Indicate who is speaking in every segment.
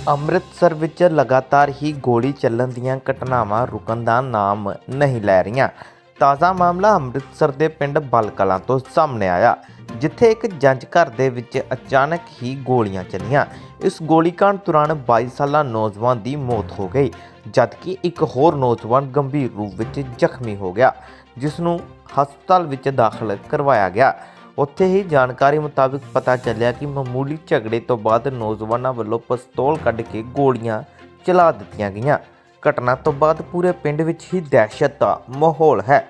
Speaker 1: ਅੰਮ੍ਰਿਤਸਰ ਵਿੱਚ ਲਗਾਤਾਰ ਹੀ ਗੋਲੀ ਚੱਲਣ ਦੀਆਂ ਘਟਨਾਵਾਂ ਰੁਕਣ ਦਾ ਨਾਮ ਨਹੀਂ ਲੈ ਰਹੀਆਂ। ਤਾਜ਼ਾ ਮਾਮਲਾ ਅੰਮ੍ਰਿਤਸਰ ਦੇ ਪਿੰਡ ਬਲ ਕਲਾਂ ਤੋਂ ਸਾਹਮਣੇ ਆਇਆ, ਜਿੱਥੇ ਇੱਕ ਜੰਝ ਘਰ ਦੇ ਵਿੱਚ ਅਚਾਨਕ ਹੀ ਗੋਲੀਆਂ ਚੱਲੀਆਂ। ਇਸ ਗੋਲੀकांड ਦੌਰਾਨ 22 ਸਾਲਾ ਨੌਜਵਾਨ ਦੀ ਮੌਤ ਹੋ ਗਈ, ਜਦਕਿ ਇੱਕ ਹੋਰ ਨੌਜਵਾਨ ਗੰਭੀਰ ਰੂਪ ਵਿੱਚ ਜ਼ਖਮੀ ਹੋ ਗਿਆ, ਜਿਸ ਨੂੰ ਹਸਪਤਾਲ ਵਿੱਚ ਦਾਖਲ ਕਰਵਾਇਆ ਗਿਆ। ਉੱਥੇ ਹੀ ਜਾਣਕਾਰੀ ਮੁਤਾਬਕ ਪਤਾ ਚੱਲਿਆ ਕਿ ਮਾਮੂਲੀ ਝਗੜੇ ਤੋਂ ਬਾਅਦ ਨੌਜਵਾਨਾਂ ਵੱਲੋਂ ਪਿਸਤੌਲ ਕੱਢ ਕੇ ਗੋਲੀਆਂ ਚਲਾ ਦਿੱਤੀਆਂ ਗਈਆਂ। ਘਟਨਾ ਤੋਂ ਬਾਅਦ ਪੂਰੇ ਪਿੰਡ ਵਿੱਚ ਹੀ ਦਹਿਸ਼ਤ ਦਾ ਮਾਹੌਲ ਹੈ।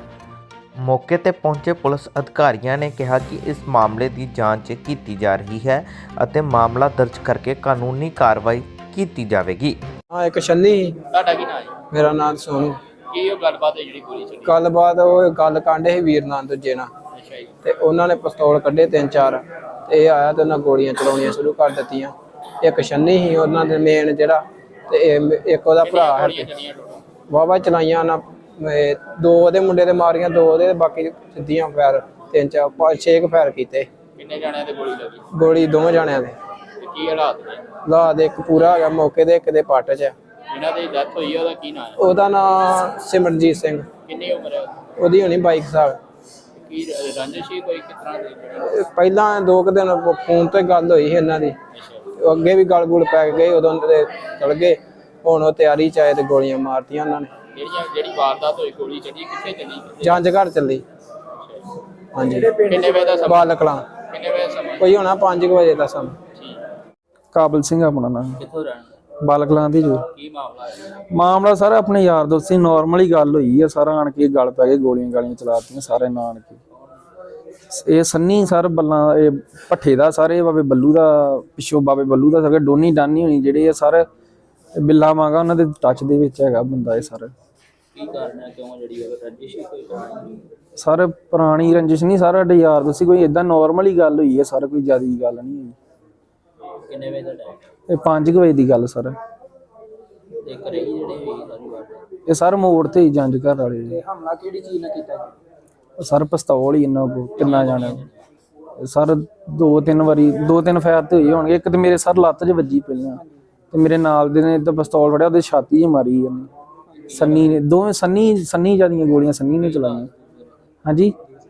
Speaker 1: ਮੌਕੇ ਤੇ ਪਹੁੰਚੇ ਪੁਲਿਸ ਅਧਿਕਾਰੀਆਂ ਨੇ ਕਿਹਾ ਕਿ ਇਸ ਮਾਮਲੇ ਦੀ ਜਾਂਚ ਕੀਤੀ ਜਾ ਰਹੀ ਹੈ ਅਤੇ ਮਾਮਲਾ ਦਰਜ ਕਰਕੇ ਕਾਨੂੰਨੀ ਕਾਰਵਾਈ ਕੀਤੀ ਜਾਵੇਗੀ।
Speaker 2: ਇੱਕ ਛੰਨੀ
Speaker 3: ਤੁਹਾਡਾ ਕੀ ਨਾਮ ਹੈ?
Speaker 2: ਮੇਰਾ ਨਾਮ ਸੋਨੂ।
Speaker 3: ਕੀ ਉਹ ਗੱਲਬਾਤ ਹੈ ਜਿਹੜੀ ਗੋਲੀ ਚੱਲੀ?
Speaker 2: ਗੱਲਬਾਤ ਉਹ ਗੱਲ ਕਾਂਡੇ ਸੀ ਵੀਰ ਨਾਲ ਦੂਜੇ ਨਾਲ,
Speaker 3: ਅੱਛਾ ਜੀ।
Speaker 2: ਤੇ ਉਹਨਾਂ ਨੇ ਪਿਸਤੌਲ ਕੱਢੇ 3-4 ਤੇ ਇਹ ਆਇਆ ਤੇ ਉਹਨਾਂ ਗੋਲੀਆਂ ਚਲਾਉਣੀਆਂ ਸ਼ੁਰੂ ਕਰ ਦਿੱਤੀਆਂ। ਇੱਕ ਛੰਨੀ ਸੀ ਉਹਨਾਂ ਦੇ ਮੇਨ ਜਿਹੜਾ, ਤੇ ਇੱਕ ਉਹਦਾ ਭਰਾ ਹੈ। ਵਾਵਾ ਚਲਾਈਆਂ ਨਾ, 2 ਉਹਦੇ ਮੁੰਡੇ ਦੇ ਮਾਰੀਆਂ, 2 ਉਹਦੇ, ਬਾਕੀ ਸਿੱਧੀਆਂ ਫਾਇਰ 3-4 5-6 ਫਾਇਰ ਕੀਤੇ।
Speaker 3: ਕਿੰਨੇ ਜਾਣਿਆਂ ਤੇ ਗੋਲੀ ਲੱਗੀ?
Speaker 2: ਗੋਲੀ 2 ਜਾਣਿਆਂ ਦੇ।
Speaker 3: ਤੇ ਕੀ ਹਾਲਾਤ ਨੇ?
Speaker 2: ਹਾਲਾਤ ਇੱਕ ਪੂਰਾ ਹੈਗਾ ਮੌਕੇ ਦੇ, ਇੱਕ ਦੇ ਪੱਟ 'ਚ।
Speaker 3: ਜਿਹਨਾਂ ਦੀ ਡੈਥ ਹੋਈ ਹੈ ਉਹਦਾ ਕੀ ਨਾਮ ਹੈ?
Speaker 2: ਉਹਦਾ ਨਾਂ ਸਿਮਰਨਜੀਤ ਸਿੰਘ।
Speaker 3: ਕਿੰਨੀ ਉਮਰ ਹੈ
Speaker 2: ਉਹਦੀ ਹੋਣੀ 22 ਸਾਲ।
Speaker 3: ਕੀ ਰੰਜਿਸ਼ ਸੀ ਕੋਈ ਕਿਸ ਤਰ੍ਹਾਂ ਦੀ?
Speaker 2: ਪਹਿਲਾਂ 2 ਦਿਨ ਫੋਨ ਤੇ ਗੱਲ ਹੋਈ ਸੀ ਇਹਨਾਂ ਦੀ,
Speaker 3: ਅੱਛਾ।
Speaker 2: ਅੱਗੇ ਵੀ ਗਲ ਗੁਲ ਪੈ ਗਏ, ਉਦੋਂ ਦੇ ਚਲ ਗਏ। ਹੁਣ ਉਹ ਤਿਆਰੀ ਚ ਆਏ ਤੇ ਗੋਲੀਆਂ ਮਾਰਤੀਆਂ ਉਹਨਾਂ ਨੇ।
Speaker 3: ਜਿਹੜੀ ਵਾਰਦਾਤ ਹੋਈ ਗੋਲੀ ਚੱਲੀ ਕਿੱਥੇ ਚੱਲੀ?
Speaker 2: ਜੰਝ ਘਰ ਚੱਲੀ। ਹਾਂਜੀ।
Speaker 3: ਕਿੰਨੇ ਵਜੇ ਦਾ ਸਮਾਂ?
Speaker 2: ਬਾਲ ਕਲਾਂ।
Speaker 3: ਕਿੰਨੇ ਵਜੇ ਸਮਾਂ?
Speaker 2: ਕੋਈ ਹੋਣਾ 5 ਵਜੇ ਦਾ ਸਮਾਂ।
Speaker 3: ਠੀਕ।
Speaker 2: ਕਾਬਲ ਸਿੰਘ ਆਪਣਾ ਨਾਮ।
Speaker 3: ਕਿੱਥੋਂ ਰਹਿਣ?
Speaker 2: ਬਾਲ ਕਲਾਂ ਦੀ ਜੋ
Speaker 3: ਕੀ ਮਾਮਲਾ ਹੈ?
Speaker 2: ਮਾਮਲਾ ਸਾਰਾ ਆਪਣੇ ਯਾਰ ਦੋਸਤ ਸੀ, ਨਾਰਮਲੀ ਗੱਲ ਹੋਈ ਆ। ਸਾਰਾ ਆਣ ਕੇ ਗਲ ਪੈ ਗਏ, ਗੋਲੀਆਂ ਗਾਲੀਆਂ ਚਲਾਤੀਆਂ ਸਾਰੇ ਨਾਨ ਕੇ। ਇਹ ਸੰਨੀ ਸਰ ਬੱਲਾਂ, ਇਹ ਭੱਠੇ ਦਾ ਸਾਰੇ ਬਾਬੇ ਬੱਲੂ ਦਾ, ਪਿੱਛੋਂ ਬਾਬੇ ਬੱਲੂ ਦਾ ਸਾਰੇ ਡੋਨੀ ਡਾਨੀ ਹੋਣੀ ਜਿਹੜੇ ਆ ਸਾਰੇ ਬਿੱਲਾ ਮਾਂਗਾ ਉਹਨਾਂ ਦੇ ਟੱਚ ਦੇ ਵਿੱਚ ਹੈਗਾ ਬੰਦਾ। ਇਹ ਸਰ
Speaker 3: ਕੀ ਕਾਰਨ ਹੈ, ਕਿਉਂ ਜਿਹੜੀ ਰੰਜਿਸ਼ ਕੋਈ?
Speaker 2: ਸਰ ਪੁਰਾਣੀ ਰੰਜਿਸ਼ ਨਹੀਂ, ਸਾਰਾ ਸਾਡੇ ਯਾਰ ਦੋਸਤ ਸੀ। ਕੋਈ ਏਦਾਂ ਨਾਰਮਲੀ ਗੱਲ ਹੋਈ ਹੈ ਸਰ, ਕੋਈ ਜ਼ਿਆਦਾ ਗੱਲ ਨਹੀਂ ਹੋਈ।
Speaker 3: ਕਿੰਨੇ ਵਜੇ ਦਾ ਟਾਈਮ?
Speaker 2: ਇਹ 5 ਵਜੇ ਦੀ ਗੱਲ ਸਰ।
Speaker 3: ਤੇ ਘਰੇ ਹੀ ਜਿਹੜੇ ਹੋਈ ਸਾਰੀ ਵਾਰਦਾਤ?
Speaker 2: ਇਹ ਸਰ ਮੋੜ ਤੇ ਹੀ ਜੰਝ ਘਰ ਵਾਲੇ।
Speaker 3: ਹਮਲਾ ਕਿਹੜੀ ਚੀਜ਼ ਨਾਲ ਕੀਤਾ?
Speaker 2: ਸਰ ਪਿਸਤੌਲ ਹੀ ਇਹਨਾਂ ਕੋਲ ਕਿੰਨਾ ਜਾਣਿਆ ਸਰ। 2-3 ਫਾਇਰ ਤੇ ਹੋਈ ਹੋਣਗੇ। ਇੱਕ ਤੇ ਮੇਰੇ ਸਰ ਲੱਤ 'ਚ ਵੱਜੀ ਪਹਿਲਾਂ, ਤੇ ਮੇਰੇ ਨਾਲ ਦੇ ਨੇ ਤਾਂ ਪਿਸਤੌਲ ਫੜਿਆ, ਉਹਦੇ ਛਾਤੀ 'ਚ ਮਾਰੀ ਇਹਨੇ ਸੰਨੀ ਨੇ। ਦੋਵੇਂ ਸੰਨੀ ਜਿਆਦੀਆਂ ਗੋਲੀਆਂ ਸੰਨੀ ਨੇ ਚਲਾਈਆਂ। ਹਾਂਜੀ।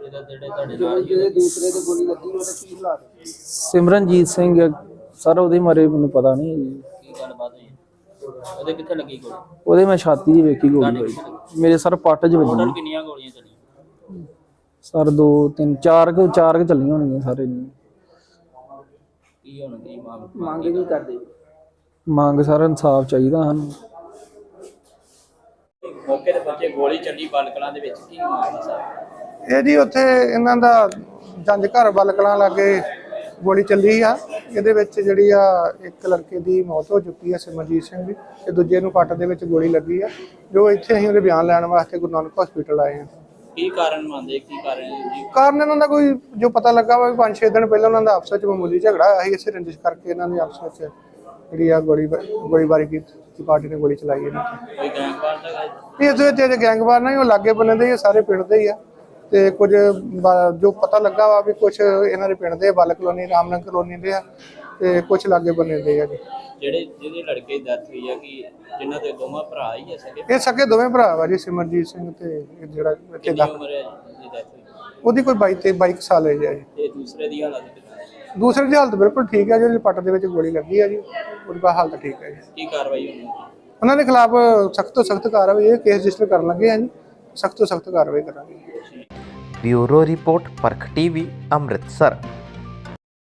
Speaker 2: ਸਿਮਰਨਜੀਤ ਸਿੰਘ ਸਰ, ਉਹਦੇ ਮਾਰੇ ਮੈਨੂੰ ਪਤਾ ਨਹੀਂ।
Speaker 3: ਕੀ ਗੱਲਬਾਤ ਹੋਈ? ਉਹਦੇ ਕਿੱਥੇ ਲੱਗੀ ਗੋਲੀ?
Speaker 2: ਉਹਦੇ ਮੈਂ ਛਾਤੀ 'ਚ ਵੇਖੀ ਗੋਲੀ ਹੋਈ। ਮੇਰੇ ਸਰ ਪੱਟ 'ਚ ਵੱਜੀ।
Speaker 3: ਕਿੰਨੀਆਂ ਗੋਲੀਆਂ ਚੱਲੀਆਂ
Speaker 2: ਸਰ 2-3-4 ਕੁ ਚੱਲੀਆਂ ਹੋਣਗੀਆਂ ਸਾਰੇ।
Speaker 3: ਕੀ ਹੁਣ ਕੀ ਮੰਗ ਕੀ ਕਰਦੇ?
Speaker 2: ਮੰਗ ਸਰ ਇਨਸਾਫ ਚਾਹੀਦਾ ਸਾਨੂੰ।
Speaker 3: ਮੌਕੇ ਤੇ ਪਹੁੰਚੇ, ਗੋਲੀ ਚੱਲੀ ਬਲ ਕਲਾਂ ਦੇ ਵਿੱਚ, ਕੀ ਮਾਮਲਾ ਸਰ?
Speaker 4: ਇਹ ਜੀ ਉੱਥੇ ਇਹਨਾਂ ਦਾ ਜੰਝ ਘਰ ਬਲ ਕਲਾਂ ਲਾਗੇ ਗੋਲੀ ਚੱਲੀ ਆ। ਇਹਦੇ ਵਿੱਚ ਜਿਹੜੀ ਆ ਇੱਕ ਲੜਕੇ ਦੀ ਮੌਤ ਹੋ ਚੁੱਕੀ ਆ, ਸਿਮਰਜੀਤ ਸਿੰਘ ਦੀ, ਤੇ ਦੂਜੇ ਨੂੰ ਪੱਟ ਦੇ ਵਿੱਚ ਗੋਲੀ ਲੱਗੀ ਆ। ਜੋ ਇੱਥੇ ਅਸੀਂ ਉਹਦੇ ਬਿਆਨ ਲੈਣ ਵਾਸਤੇ ਗੁਰੂ ਨਾਨਕ ਹਸਪੀਟਲ ਆਏ ਆ।
Speaker 3: ਕੀ ਕਾਰਨ ਮੰਨਦੇ? ਕੀ ਕਾਰਨ ਜੀ?
Speaker 4: ਕਾਰਨ ਇਹਨਾਂ ਦਾ ਕੋਈ ਜੋ ਪਤਾ ਲੱਗਾ ਵਾ 5-6 ਦਿਨ ਪਹਿਲਾਂ ਉਹਨਾਂ ਦਾ ਆਪਸ ਵਿੱਚ ਮਾਮੂਲੀ ਝਗੜਾ ਹੋਇਆ ਸੀ। ਇਸੇ ਰੰਜਿਸ਼ ਕਰਕੇ ਇਹਨਾਂ ਨੇ ਆਪਸ ਵਿੱਚ ਜਿਹੜੀ ਆ ਗੋਲੀਬਾਰੀ ਕੀਤੀ। ਪਾਰਟੀ ਨੇ ਗੋਲੀ ਚਲਾਈ ਇਹਨਾਂ ਤੇ।
Speaker 3: ਕੋਈ ਗੈਂਗਵਾਰ ਦਾ?
Speaker 4: ਇਹਦੇ ਵਿੱਚ ਗੈਂਗਵਾਰ ਨਹੀਂ, ਉਹ ਲਾਗੇ ਬੰਨੇ ਦੇ ਸਾਰੇ ਪਿੰਡ ਦੇ ਹੀ ਆ। ਤੇ ਕੁਝ ਜੋ ਪਤਾ ਲੱਗਾ ਵਾ ਵੀ ਕੁਝ ਇਹਨਾਂ ਦੇ ਪਿੰਡ ਦੇ ਬਲ ਕਲੋਨੀ, ਰਾਮਨਗਰ ਕਲੋਨੀ ਦੇ ਆ, ਤੇ ਕੁਝ ਲਾਗੇ ਬੰਨੇ ਦੇ ਆ ਜੀ।
Speaker 3: ਜਿਹਦੇ ਲੜਕੇ ਦੀ ਡੈਥ ਹੋਈ ਆ, ਕਿ ਜਿਨ੍ਹਾਂ ਦੇ ਦੋਵਾਂ ਭਰਾ ਹੀ ਆ ਸਕੇ?
Speaker 4: ਇਹ ਸਕੇ ਦੋਵੇਂ ਭਰਾ ਵਾ ਜੀ, ਸਿਮਰਜੀਤ ਸਿੰਘ ਤੇ ਇਹ ਜਿਹੜਾ ਇੱਥੇ ਦਾ।
Speaker 3: ਉਮਰ ਹੈ ਜੀ ਡੈਥ ਹੋਈ?
Speaker 4: ਉਹਦੀ ਕੋਈ 22 ਸਾਲ ਹੈ ਜੀ।
Speaker 3: ਤੇ ਦੂਸਰੇ ਦੀ ਹਾਲਤ ਕਿੱਦਾਂ?
Speaker 4: ਦੂਸਰੇ ਦੀ ਹਾਲਤ ਬਿਲਕੁਲ ਠੀਕ ਹੈ। ਜਿਹੜੀ ਪੱਟ ਦੇ ਵਿੱਚ ਗੋਲੀ ਲੱਗੀ ਹੈ ਜੀ, ਉਹਦੀ ਹਾਲਤ ਠੀਕ ਹੈ ਜੀ।
Speaker 3: ਕੀ ਕਾਰਵਾਈ ਹੋਣੀ?
Speaker 4: ਉਹਨਾਂ ਦੇ ਖਿਲਾਫ ਸਖਤ ਤੋਂ ਸਖਤ ਕਾਰਵਾਈ, ਇਹ ਕੇਸ ਰਜਿਸਟਰ ਕਰਨ ਲੱਗੇ ਆ ਜੀ। ਸਖਤ ਤੋਂ ਸਖਤ ਕਾਰਵਾਈ ਕਰਾਂਗੇ।
Speaker 1: Bureau report, Parakh TV, Amritsar.